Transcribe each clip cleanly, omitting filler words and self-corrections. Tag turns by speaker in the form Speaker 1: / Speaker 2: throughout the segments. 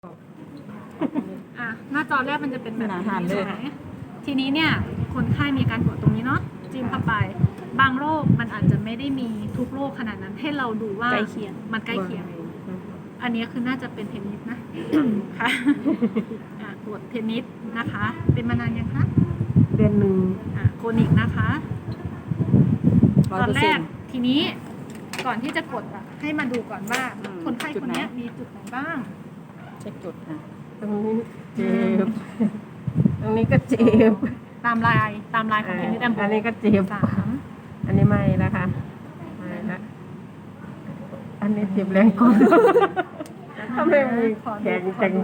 Speaker 1: หน้าจอแรกมันจะเป็นแบบ
Speaker 2: อาหาร
Speaker 1: นี้
Speaker 2: เลย
Speaker 1: ใช่ไหมทีนี้เนี่ยคนไข้มีการกดตรงนี้เนาะจิ้มเข้าไปบางโรคมันอาจจะไม่ได้มีทุกโรคขนาดนั้นให้เราดูว่า
Speaker 2: ใกล้เคียง
Speaker 1: มันใกล้เคียง อันนี้คือน่าจะเป็นเทนนิสนะ ค่ะกดเทนนิสนะคะ เป็นมานานยังคะ
Speaker 3: เดือนหนึ่ง
Speaker 1: โคนิกนะคะตอนแรก
Speaker 2: 100%
Speaker 1: ทีนี้ก่อนที่จะกดให้มาดูก่อนว่า คนไข้
Speaker 2: จุ
Speaker 1: ค
Speaker 2: ด
Speaker 1: น
Speaker 2: ไหน
Speaker 1: นี้มีจุดไหนบ้าง
Speaker 2: เช็คจุดค่ะ
Speaker 3: ตรงนี้เจ็บตรงนี้ก็เจ็บ
Speaker 1: ตามลายของเทนนิสแอมโบ
Speaker 3: อันนี้ก็เจ็บ
Speaker 1: 3
Speaker 3: อันนี้ไม่แล้วค่ะไม่ละอันนี้เจ็บแรงกว่าทำไมมีแข็งจัง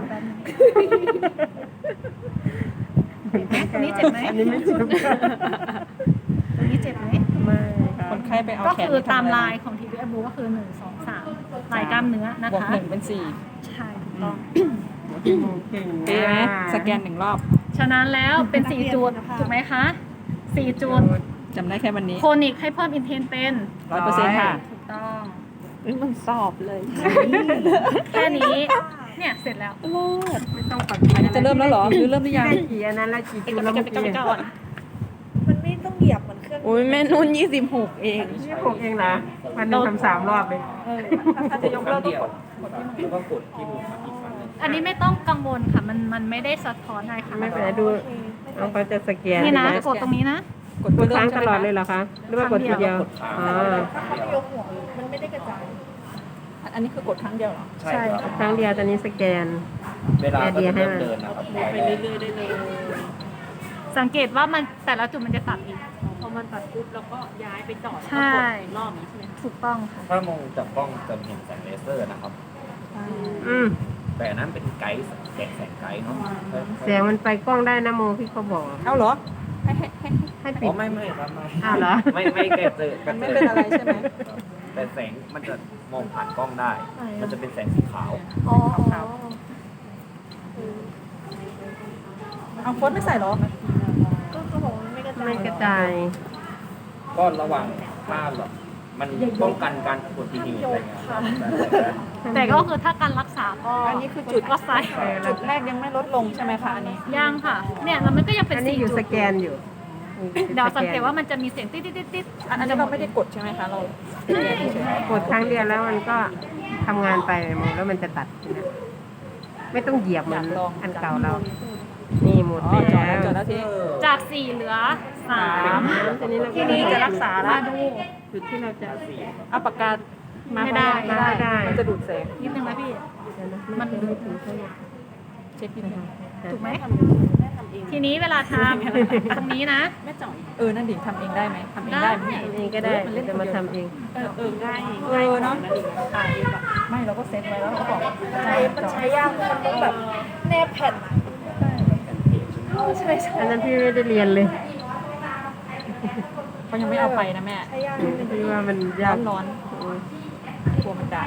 Speaker 1: ตรงนี้เจ็บไหม
Speaker 3: อันนี้ไม่เจ็บ
Speaker 1: ตรงนี้เจ็บไหม
Speaker 3: ไม่ค่ะ
Speaker 2: คนไข้ไปเอา
Speaker 1: ก็
Speaker 2: แขน
Speaker 1: คือตาม
Speaker 2: ไปทำะไร
Speaker 1: ลายของทีวีแอมโบก็คือ 1 2 3 ลายกล้ามเนื้อนะ
Speaker 2: บวก
Speaker 1: คะ
Speaker 2: 1เป็น4
Speaker 1: ใช่ถูกต้อง
Speaker 3: เก่ง
Speaker 2: เป๊ะไหมสแกน1 รอบ
Speaker 1: ฉะนั้นแล้วเป็น 4 จุดถูกไหมคะ 4 จุด
Speaker 2: จำได้แค่วันนี้
Speaker 1: โคนิกให้เพิ่มอินเทนเป็น
Speaker 2: 100%ค่ะ
Speaker 1: ถูกต้อง
Speaker 2: มันสอบเลย
Speaker 1: แค่นี้ เนี่ยเสร็จแล้ว
Speaker 3: ไม่ต้องปัด
Speaker 2: อันนี้จะเริ่มแล้วเหรอหรือเริ่มหรือยัง
Speaker 3: ได้กี่อันนั้นแล้วกี่จุดแล้วเมื่อกี้
Speaker 4: มันไม่ต้องเหยียบเหมือนเครื่อง
Speaker 2: อุ้ยแม่นุ่น26 เอง
Speaker 3: นี่ผมเองนะวันหนึงทำ3 รอบเลย
Speaker 4: ถ้าจะยกเลิกก็กด
Speaker 5: แล้วก็กดที่มุมอีกฝั่งหนึง
Speaker 1: อันนี้ไม่ต้องกังวลค่ะ มันไม่ได้สะท้อนอะไรค่ะ
Speaker 3: ไม่เป็นไรดูน้องเขาจะสแกน
Speaker 1: นี่นะ
Speaker 3: เห็ไหม
Speaker 1: กดตรงนี้นะ
Speaker 2: กด
Speaker 3: กดค้างตลอด
Speaker 2: ใช่
Speaker 3: เล
Speaker 2: ไหม
Speaker 3: ยเหรอคะหรือว่ากดทีเดียว
Speaker 5: กดค้าง
Speaker 3: อ๋อ
Speaker 4: ถ้าเขาไม่ยกหัวมันไม่ได้กระจาย
Speaker 2: คะอันนี้คือกดครั้งเดียวเหรอ
Speaker 5: ใช่ครับ
Speaker 3: ครั้งเดียวตอนนี้สแกน
Speaker 5: เวลาก็จะเริ่มเดินนะครับ
Speaker 4: ไปเรื่อยๆได้เลย
Speaker 1: สังเกตว่ามันแต่ละจุดมันจะตัดอีก
Speaker 4: พอมันตัดปุ๊บแล้วก็ย้ายไปจอด
Speaker 1: ใช่
Speaker 4: รอบนี้ใช่ไหม
Speaker 1: ถูกต้องค่ะ
Speaker 5: ถ้ามองจากกล้องจะเห็นแสงเลเซอร์นะครับ
Speaker 3: อืม
Speaker 5: แต่อันนั้นเป็นไกด์แสงไกด์เนาะ
Speaker 3: เสียงมันไปกล้องได้นะโมพี่เขาบอก
Speaker 2: เอาเหรอ
Speaker 3: ให้ปิ
Speaker 5: อ๋
Speaker 3: ด
Speaker 5: อไม่ครับไม่
Speaker 3: อ้าวเหรอ
Speaker 5: ไม่แกเจอ
Speaker 2: มันไม่เป็นอะไรใช่ไหม
Speaker 5: แต่แสงมันจะมองผ่านกล้องได้ มันจะเป็นแสงสีขาว
Speaker 4: อ๋อ
Speaker 2: เอาโค้ดไม่ใส่เหรอ
Speaker 4: ก็เขาบอกว่ามันไม่กระจาย
Speaker 3: ไม่กระจาย
Speaker 5: ก็ระวังถ้าแบบมันป้องกันการอุบัติเหตุอะไรเงี้ยครับ
Speaker 1: แต่ก็คือถ้าการรักษาก็
Speaker 2: อันนี้คือจุด
Speaker 1: ก็ใส่
Speaker 2: จุดแรกยังไม่ลดลงใช่ไหมคะอันนี้
Speaker 1: ยังค่ะ เนี่ยแล้วมันก็ยังเป็น
Speaker 3: อันนี้
Speaker 1: 4
Speaker 3: อยู่
Speaker 1: จุ
Speaker 3: ส
Speaker 1: ด
Speaker 3: แกนอยู่
Speaker 1: เดี๋ยวสังเกตว่ามันจะมีเสียงติ๊ดติ๊ดติ๊ดติ๊ด
Speaker 2: อันนี้เราไม่ได้กดใช่ไหมคะ เราสแกนเฉย
Speaker 3: กดครั้งเดียวแล้วมันก็ทำงานไปโมแล้วมันจะตัดนะไม่ต้องเหยียบเหมือนอันเก่าเรา นี่หมด
Speaker 2: อ๋อ
Speaker 3: แล้ว
Speaker 2: จอดแล้วที
Speaker 1: จาก 4 เหลือ 3
Speaker 3: ทีนี้เรา
Speaker 1: ทีนี้จะรักษาละดู
Speaker 3: จุดที่เราจะ
Speaker 2: เอาปากกามา
Speaker 1: ไม่ได้
Speaker 3: ไม่ได้
Speaker 2: มันจะดูดแสง
Speaker 1: นิดนึงไหมพี่
Speaker 3: มันดูถึงเท่าไหร่
Speaker 2: เช็คนิดนึง
Speaker 1: ถูกไหม
Speaker 4: แม่ทำเอง
Speaker 1: ทีนี้เวลาทำตรงนี้นะ
Speaker 4: แม่จ่อย
Speaker 2: นั่นดิทำเองได้ไหมทำเองได้ไหม
Speaker 1: ได้
Speaker 3: ทำเองก็ได้จะมาทำเอง
Speaker 4: ง่าย
Speaker 2: เนาะ
Speaker 4: ตายเองอะ
Speaker 2: ไม่เราก็เซ็ตไว้แล้วเราก็บอก
Speaker 4: มันใช้ยากมันต้องแบบแนบแผ่นอะใช่ใช่
Speaker 3: อันนั้นพี่ไม่ได้เรียนเลย
Speaker 2: เขายังไม่เอาไปนะแม่
Speaker 4: ใช้ยากนิดนึง
Speaker 3: พี่ว่ามัน
Speaker 2: ร้
Speaker 3: ยา
Speaker 2: อก นร้อนกลัวมันด่า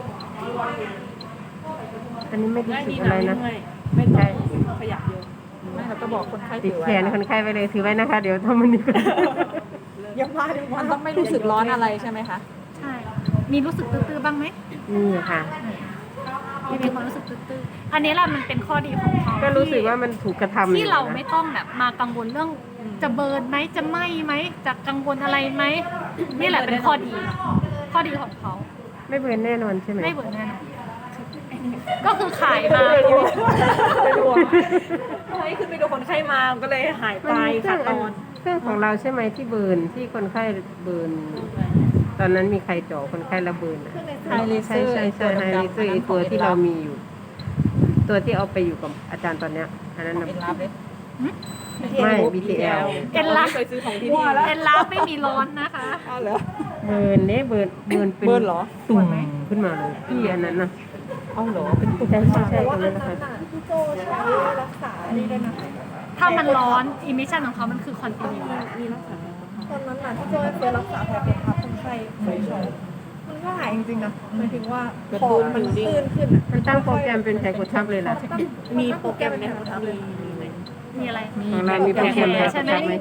Speaker 3: อันนี้ไม่ได้
Speaker 4: ง่าย
Speaker 3: สึ
Speaker 4: ดี
Speaker 3: ก
Speaker 4: นะ
Speaker 3: อะไร
Speaker 4: ไม่
Speaker 3: นะ
Speaker 4: เมื่อยไม่ต้องขยับเยอะ
Speaker 2: ไม่เราก็บอกคนไข้
Speaker 3: ติ
Speaker 2: ถื
Speaker 3: ด
Speaker 2: อไว้
Speaker 3: แขนคนไข้ไปเลยถือไว้นะคะ เดี๋ยวทำมันดีกว่า
Speaker 4: ยังมาเลย
Speaker 2: มันต้องไม่รู้สึกร้อนอะไรใช่ไหมคะ
Speaker 1: ใช่ มีรู้สึกตื้อๆบ้างไหม
Speaker 3: นี่ค่ะ
Speaker 1: มีความรู้สึกตื้อๆอันนี้แหละมันเป็นข้อดีของเขา
Speaker 3: ก็รู้สึกว่ามันถูกกระทำ
Speaker 1: ที่เรา
Speaker 3: อยู่นะ
Speaker 1: ไม่ต้องแบบมากังวลเรื่องจะเบิร์นไหมจะไหม้ไหมจะกังวลอะไรไหมนี่แหละเป็นข้อดี ข้อดีของเขา
Speaker 3: ไม่เบิร์นแน่นอนใช่ไหม
Speaker 1: ไม่เบิร์นแน่นอนก็คือขายมา
Speaker 4: เป็นห่วงเฮ้ยขึ้นไปดูคนไข้มาก็เลยหาย
Speaker 3: มั
Speaker 4: ไป
Speaker 3: นมีเครื่
Speaker 4: ขา
Speaker 3: อง
Speaker 4: ดตอน
Speaker 3: เครื่องของเราใช่ไหมที่เบิร์นที่คนไข้เบิร์นตอนนั้นมีใครเจาะคนไข้ระเบิร์นอะ
Speaker 2: ไฮเลเซ
Speaker 3: ใช่
Speaker 2: อร์
Speaker 3: ใช่ใช่ไฮเลเซอร์ไอตัวที่เรามีอยู่ ตัวที่เอาไปอยู่กับอาจารย์ตอนเนี้ยอันนั้น
Speaker 2: เอ็
Speaker 3: น่ะ
Speaker 2: นรับเลย
Speaker 3: ไม่ BTL
Speaker 1: เอ็นลับ
Speaker 4: เคยซื้อของที่
Speaker 2: มั่
Speaker 4: นี่
Speaker 2: วแล้ว
Speaker 1: เอ็นลับไม่มีร้อนนะคะ
Speaker 2: อ้าวเหรอ
Speaker 3: เบิร์นเนี่ยเบิร์นเป็น
Speaker 2: เบิร์นเหรอ
Speaker 3: ตุ่มขึ้นมาเลยพี่อันนั้นนะ
Speaker 2: เอาเหรอเป็นตุ่ม
Speaker 3: ใช่ใช่ใช่
Speaker 4: แต่
Speaker 3: ตร
Speaker 4: ว่าง อั
Speaker 3: นั้น นนะคะ
Speaker 4: นั้นน่ะที่โจใช้รักษานี่ด้วยนะ
Speaker 1: ถ้ามันร้อนอิมิชันของเขามันคือคอนติเนีย
Speaker 4: มีรักษาตอนนั้นน่ะที่โจเคยรักษาแผลเป็นทับคนไข้ไฟช็อตมันก็หายจริงๆนะหมายถึงว่าคอมันตื้นขึ้นอะ
Speaker 3: มันตั้งโปรแกรมเป็นไขกดทับเลยล่ะ
Speaker 4: มีโปรแกรมในหัวทับเลย
Speaker 1: มีอะไร
Speaker 3: ของเรามีโปรแกรม
Speaker 1: แผล
Speaker 3: แบบ
Speaker 1: ใช่ไหม
Speaker 3: ทับไหม
Speaker 1: แผ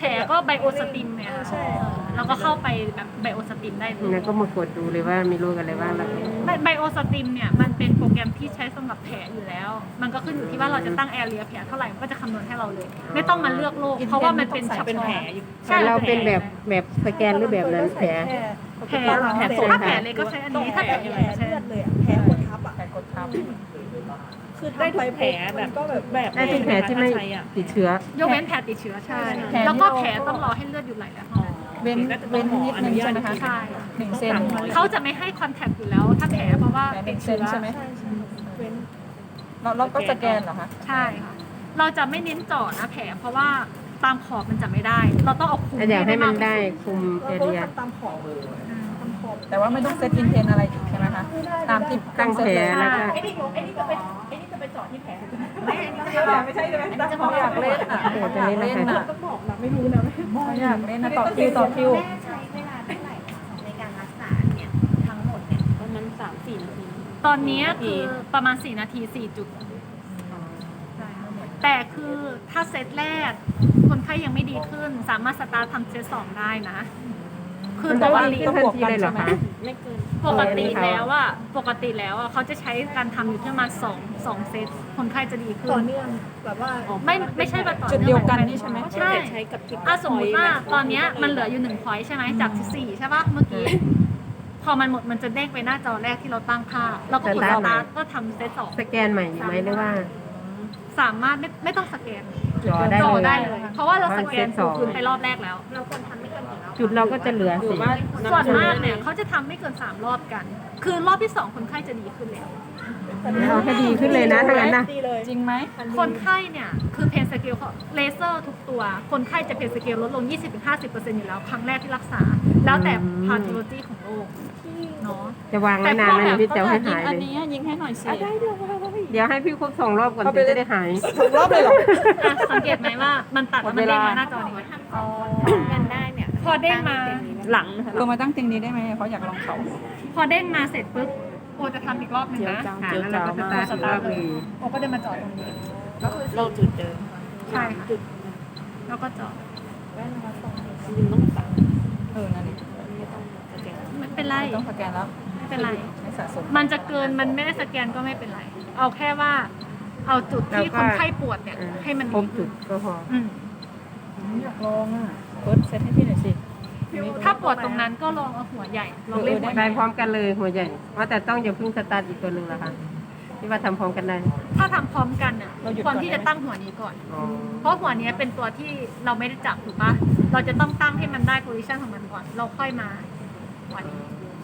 Speaker 1: แผลก็ไบโอสติมเนี่ยค่ะ
Speaker 4: ใช่
Speaker 1: เราก็เข้าไปแบบไบโอสติมได้เลย
Speaker 3: แล้วก็มากดดูเลยว่ามีโรคอะไรบ้างแล้วก็
Speaker 1: ไบโอสติมเนี่ยมันเป็นโปรแกรมที่ใช้สำหรับแผลอยู่แล้ว มันก็ขึ้นอยู่ที่ว่าเราจะตั้งแอเรียแผลเท่าไหร่มันก็จะคำนวณให้เราเลย ไม่ต้องมาเลือกโรคเพราะว่ามันเป็นเฉพาะ
Speaker 3: แต่เราเป็นแบบสแกนหรือแบบนั้นแผล
Speaker 1: แผล
Speaker 2: แผล
Speaker 1: ถ้าแผลเลยก็ใช้อันนี้ถ้าแผลใหญ่ก็ใช้
Speaker 4: เลื
Speaker 1: อั
Speaker 4: อน ด
Speaker 1: นี้
Speaker 4: เลยอะแผลกดทับอ่ะ
Speaker 2: แผลกดทับ
Speaker 4: คือได้ทุกแผลแบบก็แบบ
Speaker 3: ได้ทุกแผลที่ไม่ติดเชื้อ
Speaker 1: ยกเว้นแผลติดเชื้อใช่
Speaker 2: แผลนี่
Speaker 1: แล้วก็แผลต้องรอให้เลือดหยุดไหลแล้วเท่านั้น
Speaker 2: เว้นนิดนึงใช่ไหมคะ
Speaker 1: ใช่
Speaker 2: 1 เซน
Speaker 1: เขาจะไม่ให้คอนแทคอยู่แล้ว ถ้าแผลเพราะว่า
Speaker 2: แผล
Speaker 1: ติด
Speaker 2: 1 เซ
Speaker 1: เชื้
Speaker 2: น
Speaker 1: อ
Speaker 2: ใช่ไหม
Speaker 4: ใช่ใช่เว้น
Speaker 2: เราก็สแกนเหรอคะ
Speaker 1: ใช่ค่ะเราจะไม่เน้นเจาะนะแผลเพราะว่าตามขอบมันจะไม่ได้ เราต้องเอาคุม
Speaker 3: อยากให้มันได้
Speaker 1: ากที่สุ
Speaker 3: คุมแอ
Speaker 4: เราก็
Speaker 3: เรีย
Speaker 4: ทำตามขอบตามขอบ
Speaker 2: แต่ว่าไม่ต้องเซตอินเทนอะไรอีกใช่ไหมคะ ตามที่
Speaker 3: ตั้งแผลแล้วก็
Speaker 4: ไอ้นี่จะไปเจาะที่แผล
Speaker 2: ไม่ใช่ใช่ไหมเขาอยากเล่นอ่ะ
Speaker 3: โอ้จะเล่น
Speaker 2: เล่น
Speaker 3: นะคะ
Speaker 2: อ่ะต้องบอกนะไม่รู้นะเขาอยากเล่นนะต่อคิวต่อคิว
Speaker 6: แม่ใช้เวลาเท่าไหร่ในการรักษาเนี่ยทั้งหมดเนี่ย
Speaker 7: ประมาณ3-4 นาที
Speaker 1: ตอนนี้คือประมาณ4 นาที 4 จุดใช่ค่ะแต่คือถ้าเซตแรก คนไข้ยังไม่ดีขึ้น สามารถสตาร์ททำเซต2ได้นะ คือปกติ
Speaker 3: ต้องบวกกันเลยเหรอคะ
Speaker 7: ไม่เกิน
Speaker 1: ปกติแล้วอะเขาจะใช้การทำอยู่ที่ประมาณ2เซตคนไข้จะดีขึ้
Speaker 4: ต่อน เนื่องแบบว่า
Speaker 1: ไม่ใช่แบบต่อ
Speaker 2: จุด
Speaker 1: เนื่อง
Speaker 2: เดียวกันนี่ใช่ไหม
Speaker 1: ใช่
Speaker 7: ใช้กับคลิป
Speaker 1: สมมติว่าตอนเนี้ยมันเหลืออยู่1 point ใช่ไหมจาก4ใช่ปะเมื่อกี้ พอมันหมดมันจะเด้งไปหน้าจอแรกที่เราตั้งค่าเราก็กดสตาร์ทก็ทำเซต2
Speaker 3: สแกนใหม่อยู่ไหมหรือว่า
Speaker 1: สามารถไม่ต้องสแกน
Speaker 3: จอได้
Speaker 1: จอ
Speaker 3: เลย
Speaker 1: ได้เลย เพราะว่าเราสแกน
Speaker 3: เซตสอง
Speaker 1: คืนไปรอบแรกแล้ว
Speaker 3: จุดเราก็จะเหลือ
Speaker 7: หรื
Speaker 3: สิ
Speaker 7: อว่า
Speaker 1: ส่วนมากเนี่ยเขาจะทำไม่เกิน3 รอบกัน คือรอบที่ 2 คนไข้จะดีขึ้นแล้ว
Speaker 3: เอาให้ดีขึ้นเลยนะถ้างั้นนะ
Speaker 4: ดีเลย
Speaker 2: จริงไหม
Speaker 1: คนไข้เนี่ยคือเพนสเกลเลเซอร์ทุกตัว คนไข้จะเพนสเกลลดลง 20-50% อยู่แล้ว ครั้งแรกที่รักษา แล้วแต่พาโทโลจีของโรคเนาะ
Speaker 3: จะวางไว้นานไหมพี่เจ้าให้หาย
Speaker 2: อัน
Speaker 3: เลย
Speaker 2: นี้ยิงให้หน่อยสิ
Speaker 3: เดี๋ยวให้พี่ครบ2 รอบก่อน
Speaker 2: เอาไป
Speaker 3: ถึง
Speaker 2: เลย
Speaker 3: จะได้หาย
Speaker 2: รอบเลยเหรอ
Speaker 1: อ่ะสังเกตไหมว่ามันตัดแล้วมันเด้งมาหน้าจอนี้
Speaker 7: กันได้เนี่ย
Speaker 1: พอเด้งมา
Speaker 7: หลังนะคะ
Speaker 2: ลงมาตั้งเตียงนี้ได้ไหมเขาอยากลองเขา
Speaker 1: พอเด้งมาเสร็จปุ๊บโอจะทำอีกรอบหนึงนะ
Speaker 3: ค่ะแล้วเราก็สตาร์ทอีกรอบหนึง
Speaker 1: โอก็เดินมาจอดตรงนี้
Speaker 7: เราจุดเดิม
Speaker 1: ใช่ค่ะแล้วก็จอด
Speaker 7: จริงๆต้องตัด
Speaker 2: นั่นเอง
Speaker 7: ไม่ต้องสแกน
Speaker 1: ไม่เป็นไร
Speaker 2: ต้องสแกนแล้ว
Speaker 1: ไม่เป็นไร
Speaker 2: ไม่สะสม
Speaker 1: มันจะเกินมันไม่ได้สแกนก็ไม่เป็นไร เอาแค่ว่าเอาจุดที่คนไข้ปวดเนี่ยให้มัน
Speaker 3: คร
Speaker 1: ดี
Speaker 3: บจุดก็พอ
Speaker 1: อืม
Speaker 2: อยากลองอ่ะเฟิร์สเซตให้พี่หน่อยสิ
Speaker 1: ถ้าปวดตรงนั้นก็ลองเอาหัวใหญ่ลองเล่นหัวให
Speaker 3: ได้
Speaker 1: ญ่
Speaker 3: พร้อมกันเลยหัวใหญ่ว่าแต่ต้องอย่าเพิ่งสตาร์ทอีกตัวหนึ่งละค่ะที่ว่าทำพร้อมกันได้
Speaker 1: ถ้าทำพร้อมกันอ่ะควรที่จะตั้งหัวนี้ก่อน
Speaker 3: อ๋อ
Speaker 1: เพราะหัวเนี้ยเป็นตัวที่เราไม่ได้จับถูกปะเราจะต้องตั้งให้มันได้โพซิชันของมันก่อน เราค่อยมาหัวนี้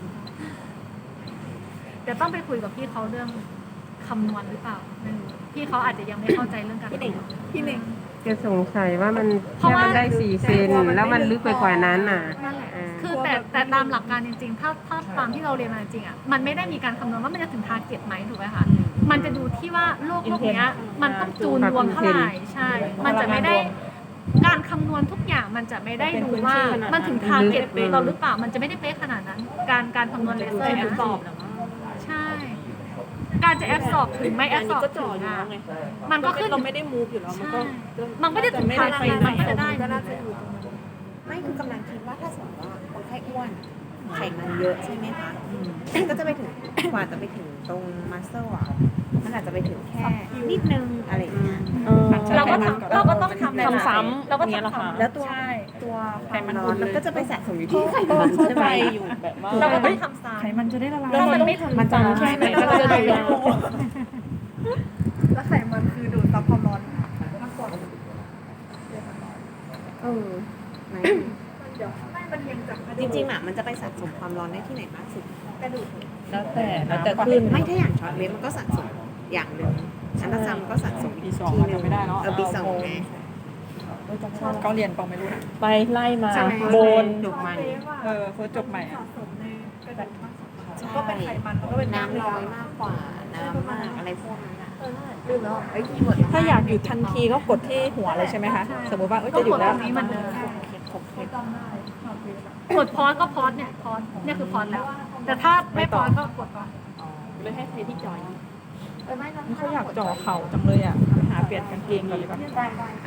Speaker 1: เดี๋ยวต้องไปคุยกับพี่เขาเรื่องคำนวณหรือเปล่าไม่รู้พี่เขาอาจจะยังไม่เข้าใจเรื่องการคำนวณ
Speaker 4: พี่เน่ง
Speaker 3: จะสงสัยว่ามัน
Speaker 1: เพราะ
Speaker 3: แค่
Speaker 1: ว่า
Speaker 3: มันได้4 เซนแล้วมันลึกไปกว่านั้นน่ะ
Speaker 1: นั่นแหละ
Speaker 3: เออ
Speaker 1: คือแต่ตามหลักการจริงๆ ถ้าตามที่เราเรียนมาจริงๆอ่ะ มันไม่ได้มีการคำนวณว่ามันจะถึงทาร์เก็ตไหมถูกไหมคะ มันจะดูที่ว่าโรคเนี้ยมันต้องจูนรวมเท่าไหร่ ใช่ มันจะไม่ได้การคำนวณทุกอย่างมันจะไม่ได้ดูว่ามันถึงทาร์เก็ตเราหรือเปล่า มันจะไม่ได้เป๊ะขนาดนั้น การคำนวณเลเซอร์
Speaker 7: แอ
Speaker 1: เนี่ย
Speaker 7: บสอบเหรอมั้ง
Speaker 1: ใช่ การจะแอบสอบถึงไม่แอ
Speaker 7: อั
Speaker 1: บ
Speaker 7: น
Speaker 1: ส
Speaker 7: นี้
Speaker 1: อบ
Speaker 7: ก็
Speaker 1: ถึ
Speaker 7: จ่อง อยู่
Speaker 1: อ่ะ
Speaker 7: แล้วไง
Speaker 1: มันก็ขึ้น
Speaker 7: เราไม่ได้มูฟอยู่แล้ว มันก็
Speaker 1: มันไม่ได้ถึงทาร์เก็ตมันก็จะได้
Speaker 4: ก็น่าจะอยู่ตรงนั้น
Speaker 6: ไม่คือกำลังคิดว่าถ้าสมมติว่าคนไข้อ้วนไขมันเยอะใช่ไหมคะก็จะไปถึงกว่าจะไปถึงตรงมัสเซลอ่ะมันอาจจะไปถึงแค่นิดนึงอะไรอย่างเงี้ย
Speaker 1: เราก็ต้องทำ
Speaker 7: ทำซ้ำ
Speaker 1: เราก็
Speaker 7: อย่างเงี้ยเหรอ
Speaker 1: ทำ
Speaker 7: คะ
Speaker 1: ซ้ำ
Speaker 6: แล้วตัว
Speaker 1: ใช่
Speaker 6: ตัวความร้อนมันก็จะไปสะสมอยู่ที่ไข
Speaker 7: ก็
Speaker 6: มัน
Speaker 7: เข้า
Speaker 6: ใช่ไห
Speaker 7: ใจ
Speaker 6: ม
Speaker 7: อยู่แบบว่า
Speaker 1: เราก็ต้องทำซ้ำ
Speaker 2: ไขมันจะได้ละลาย
Speaker 1: ถ้ามันไม่ถึง
Speaker 6: มันจะใช่ไหม
Speaker 7: ก็จะดูแล
Speaker 4: แล้วไขมันคือดูดซับความร้อนมากกว่า
Speaker 6: ไหน
Speaker 4: เดี๋ยวไม่มันยังจาก
Speaker 6: จริงๆอ่ะมันจะไปสะสมความร้อนได้ที่ไหนมากสุด
Speaker 4: กระดูก
Speaker 7: แล้วแต่ขึ้น
Speaker 6: ไม่ถ้าอย่างช็อตเวฟมันก็สะสมอย่างหนึ่งอันตราซาวด์มันก็สะสม
Speaker 2: ปีสอง
Speaker 6: ที
Speaker 2: มัน
Speaker 6: หนึ่
Speaker 2: ยังไม่ได้เนาะ
Speaker 6: ปีสองไง
Speaker 2: เขาเรียนเปล่าไม่รู้นะ
Speaker 7: ไปไล่มา
Speaker 6: ใช่ไหม
Speaker 7: โบน
Speaker 3: จบใหม่
Speaker 2: เฟิร์สจบใหม่อะ
Speaker 4: สะสมในกระดูกมากกว่า
Speaker 6: ใช่
Speaker 4: ก็เป็นไขมันแล้วก็เป็น
Speaker 6: น้ำ
Speaker 4: น้ำ
Speaker 6: น้
Speaker 4: ร้
Speaker 6: อ
Speaker 4: อย ย
Speaker 6: มากกว่าน้ำมากอะไรพวกนั้นอ่ะ
Speaker 4: ลืมแล้ว
Speaker 6: ไอ้คีย์เวิร์ด
Speaker 2: ถ้าอยากหยุดทันทีก็กดที่หัวเลยใช่ไหมคะ สมมติว่า
Speaker 1: ก็
Speaker 2: จะหยุ
Speaker 1: ก
Speaker 2: ด
Speaker 1: ด
Speaker 2: แล้
Speaker 1: ต
Speaker 2: ว
Speaker 1: รงนี้เหมือนเดิม
Speaker 4: จำได้ความเวลา
Speaker 1: กดพอสก็พอสเนี่ยพอสเนี่ยคือพอสแล้ว แต่ถ้าไม่พอสก็กดก่อน
Speaker 7: เลยให้ใครที่จอย
Speaker 2: เขาอยากจ่อเข่าจังเลยอ่ะ หาเปลี่ยนกางเกงดีป่ะ